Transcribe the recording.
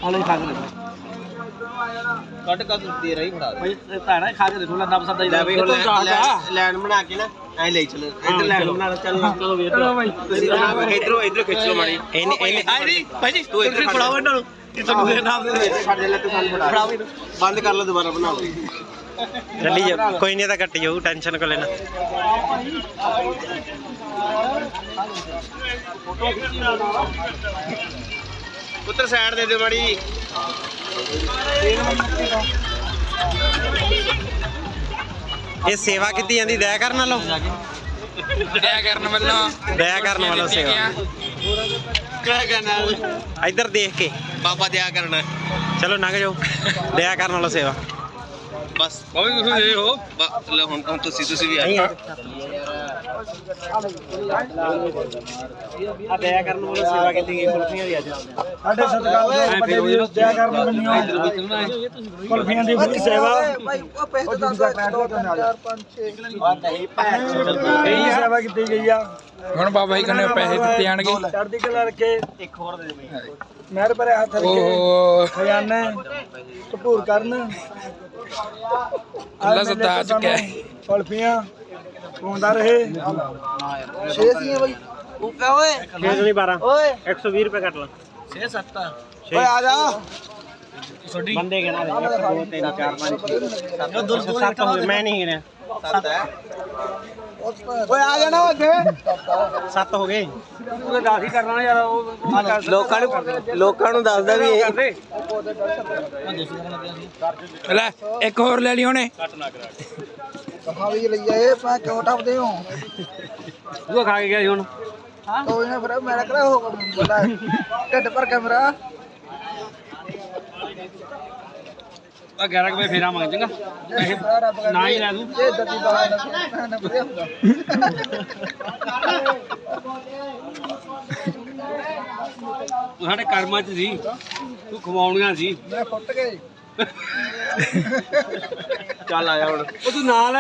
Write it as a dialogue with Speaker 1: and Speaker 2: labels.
Speaker 1: ਹਲੇ ਖਾ ਕੇ ਦੇਖੋ
Speaker 2: ਕੱਟ ਕੱਟ ਦੇ ਰਹੀ ਫੜਾ
Speaker 1: ਭਾਈ ਤਾਣਾ ਖਾ ਕੇ ਦੇਖੋ ਲੰਦਾ ਪਸੰਦ ਆਈ
Speaker 2: ਲੈ ਬਈ ਹੁਣ ਲੈਣ ਬਣਾ ਕੇ ਨਾ ਐ ਲੈ ਚਲੋ ਇੱਧਰ ਲੈਣ ਬਣਾ ਚੱਲ
Speaker 1: ਚਲੋ ਵੀਰ
Speaker 2: ਤੁਸੀਂ ਇਧਰੋਂ ਖਿੱਚ ਲਓ ਮਾੜੀ ਇਹਨੇ
Speaker 1: ਨਹੀਂ ਭਾਈ ਜੀ ਤੂੰ ਇੱਧਰ ਫੜਾਓ ਇਹਨਾਂ ਨੂੰ ਕਿ ਤੁਹਾਨੂੰ ਦੇ ਨਾਮ ਦੇ
Speaker 2: ਛੱਡ ਦੇ ਲੈ ਤੂੰ ਸਾਨੂੰ ਫੜਾ ਬੰਦ ਕਰ ਲਓ ਦੁਬਾਰਾ ਬਣਾ ਲਓ
Speaker 3: ਚੱਲੀ ਜਾ ਕੋਈ ਨਹੀਂ ਤਾਂ ਕੱਟ ਜਾਊ ਟੈਨਸ਼ਨ ਕੋ ਲੈਣਾ
Speaker 2: ਪੁੱਤਰ ਸਾਈਡ ਦੇ ਦਿਓ ਮਾੜੀ
Speaker 3: ਇਹ ਸੇਵਾ ਕੀਤੀ ਜਾਂਦੀ ਦਇਆ ਕਰਨ ਵਾਲੋ
Speaker 4: ਦਇਆ ਕਰਨ ਵੱਲੋਂ
Speaker 3: ਸੇਵਾ
Speaker 2: ਕਿਆ ਕਰਨਾ
Speaker 3: ਇੱਧਰ ਦੇਖ ਕੇ
Speaker 2: ਬਾਬਾ ਦਿਆ ਕਰਨਾ
Speaker 3: ਚਲੋ ਲੰਘ ਜਾਓ ਦਇਆ ਕਰਨ ਵਾਲੋ ਸੇਵਾ
Speaker 2: ਬਸ ਬਾਬਾ ਤੁਸੀਂ ਦੇ ਹੋ ਲੈ ਹੁਣ ਤੁਸੀਂ ਵੀ ਆਏ
Speaker 3: ਆ ਦਇਆ ਕਰਨ ਵਾਲੋ ਸੇਵਾ ਕੀਤੀ ਗਈ ਕੁਲਫੀਆਂ ਦੀ ਅੱਜ
Speaker 1: ਸਾਡੇ ਸਤਿਕਾਰ ਦੇ ਵੱਡੇ ਵੀਰ ਦਇਆ ਕਰਨ ਬੰਨਿਓ ਕੁਲਫੀਆਂ ਦੀ ਸੇਵਾ ਭਾਈ ਉਹ ਪੈਸੇ ਤਾਂ 2 4 5 6 ਇਹ ਸੇਵਾ ਕੀਤੀ ਗਈ ਆ
Speaker 4: ਹੁਣ ਬਾਬਾ ਜੀ ਕਹਿੰਦੇ ਪੈਸੇ ਦਿੱਤੇ ਜਾਣਗੇ
Speaker 1: ਚੜ੍ਹਦੀ ਕਲਾ ਰੱਖੇ
Speaker 2: ਇੱਕ ਹੋਰ ਦੇ ਦੇ ਬਈ
Speaker 1: ਮਿਹਰ ਭਰੇ ਹੱਥ ਰੱਖੇ ਖਜ਼ਾਨੇ ਭਰਪੂਰ ਕਰਨ
Speaker 4: ਅੱਲਾ ਸਦਾ ਆ ਚੁੱਕਿਆ ਹੈ
Speaker 1: ਕੁਲਫੀਆਂ ਪਾਉਂਦਾ ਰਹੇ 6 ਸੀਆਂ ਬਈ ਉੱਕਾ ਓਏ
Speaker 3: 6 ਨਹੀਂ 12
Speaker 1: ਓਏ
Speaker 3: 120 ਰੁਪਏ ਕੱਟ ਲਾ
Speaker 1: 6 7 ਓਏ ਆ ਜਾ
Speaker 3: ਬੰਦੇ ਗਿਣਾ ਦੇ 1 2 3 4 5 6 7 ਹੋ ਗਏ ਮੈਂ ਨਹੀਂ ਗਿਣਿਆ
Speaker 1: ਓਏ ਆ ਜਾਣਾ ਅੱਗੇ
Speaker 3: 7 ਹੋ ਗਏ
Speaker 1: ਤੂੰ 10 ਹੀ ਕਰਨਾ ਯਾਰ ਉਹ
Speaker 2: ਲੋਕਾਂ ਨੂੰ ਦੱਸਦਾ ਵੀ ਇਹ
Speaker 4: ਲੈ ਇੱਕ ਹੋਰ ਲੈ ਲਈ ਉਹਨੇ
Speaker 1: ਕਹਾਂ ਵੀ ਲਈ ਆਏ ਪਾ ਕਿਉਂ ਟੱਪਦੇ ਹੋ
Speaker 3: ਉਹ ਖਾ ਕੇ ਗਿਆ ਸੀ ਹੁਣ
Speaker 1: ਕੋਈ ਨਾ ਫਿਰ ਮੇਰਾ ਕਿਹੜਾ ਹੋ ਬੋਲਾ ਢਿੱਡ ਭਰ ਕੇ ਮੇਰਾ
Speaker 3: ਆ 11 ਵਜੇ ਫੇਰਾ ਮੰਗ ਚੰਗਾ ਨਾ ਹੀ ਲੈ ਦੂੰ
Speaker 1: ਇਹ ਦੱਦੀ ਬਾਹਰ ਨਾ ਵਧੀਆ ਹੁੰਦਾ
Speaker 3: ਤੂੰ ਸਾਡੇ ਕਰਮਾਂ 'ਚ ਸੀ ਤੂੰ ਖਵਾਉਣੀਆਂ ਸੀ
Speaker 1: ਮੈਂ ਫੁੱਟ ਗਏ
Speaker 2: ਚੱਲ ਆਇਆ ਹੁਣ
Speaker 3: ਉਹ ਤੂੰ ਨਾਲ